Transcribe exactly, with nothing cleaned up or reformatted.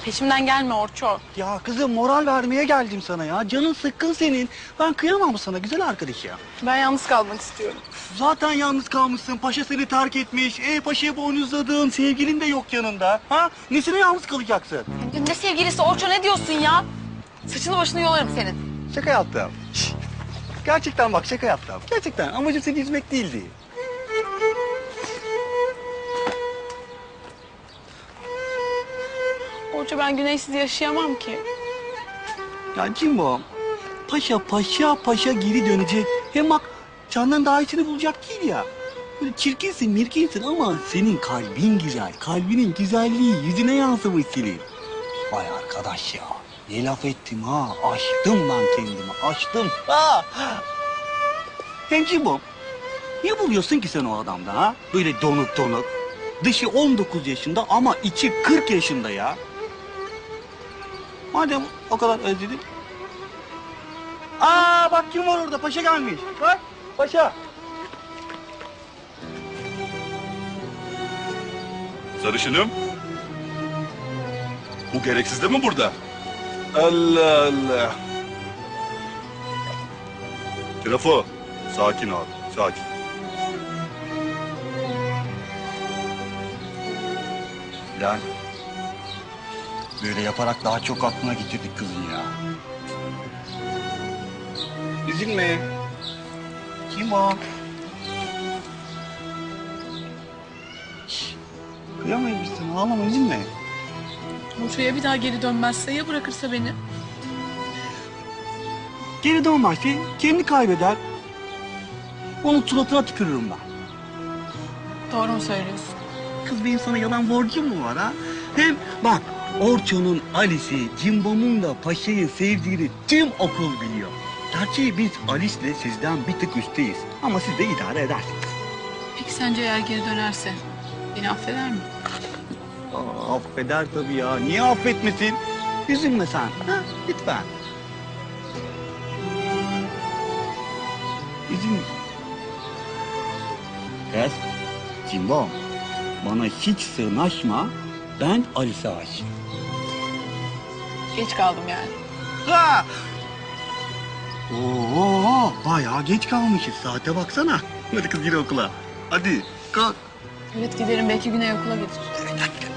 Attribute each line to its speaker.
Speaker 1: Peşimden gelme Orço.
Speaker 2: Ya kızım moral vermeye geldim sana ya. Canın sıkkın senin. Ben kıyamam sana güzel arkadaş ya.
Speaker 1: Ben yalnız kalmak istiyorum.
Speaker 2: Zaten yalnız kalmışsın. Paşa seni terk etmiş. E paşayı boynuzladın. Sevgilin de yok yanında. Ha? Nesine yalnız kalacaksın?
Speaker 1: Ne sevgilisi Orço, ne diyorsun ya? Saçını başını yolarım senin.
Speaker 2: Şaka yaptım. Şşş. Gerçekten bak şaka yaptım. Gerçekten amacım seni üzmek değildi.
Speaker 1: Orço, ben güneşsiz yaşayamam ki.
Speaker 2: Ya Cimbo, paşa paşa paşa geri dönecek. Hem bak candan daha iyisini bulacak değil ya. Böyle çirkinsin mirkinsin ama senin kalbin güzel. Kalbinin güzelliği yüzüne yansımış senin. Vay arkadaş ya. Ne laf ettim ha. Açtım ben kendimi. Açtım. Ha. Hem Cimbo, ne buluyorsun ki sen o adamda ha? Böyle donuk donuk. Dışı on dokuz yaşında ama içi kırk yaşında ya. Madem o kadar özledin. Aa bak kim var orada? Paşa gelmiş. Bak paşa.
Speaker 3: Sarışınım. Bu gereksiz de mi burada? Allah Allah. Trafo. Sakin abi. Sakin.
Speaker 2: Lan. Böyle yaparak daha çok aklına getirdik kızın ya. Üzülme. Kim o? Şşş. Kıyamayız biz sana. Ağlama üzülme.
Speaker 1: Orço'ya bir daha geri dönmezse, ya bırakırsa beni?
Speaker 2: Geri dönmezse kendini kaybeder. Onun suratına tükürürüm ben.
Speaker 1: Doğru mu söylüyorsun?
Speaker 2: Kız benim sana yalan borcum mu var ha? Hem bak Orço'nun Alice'i, Cimbom'un da Paşa'yı sevdiğini tüm okul biliyor. Gerçi biz Alice'le sizden bir tık üstteyiz. Ama siz de idare edersiniz.
Speaker 1: Peki sence eğer geri dönerse beni affeder mi?
Speaker 2: Aa, affeder tabii ya. Niye affetmesin? Üzülme sen. Ha? Lütfen. Üzülme. Kız, Cimbom. Bana hiç sığınaşma. Ben Alice'e aşığım.
Speaker 1: Geç kaldım yani.
Speaker 2: Ha! Oo, bayağı geç kalmışız. Saate baksana. Hadi kız gir okula. Hadi kalk.
Speaker 1: Evet, giderim, belki Güney okula getirir.
Speaker 2: Evet hadi.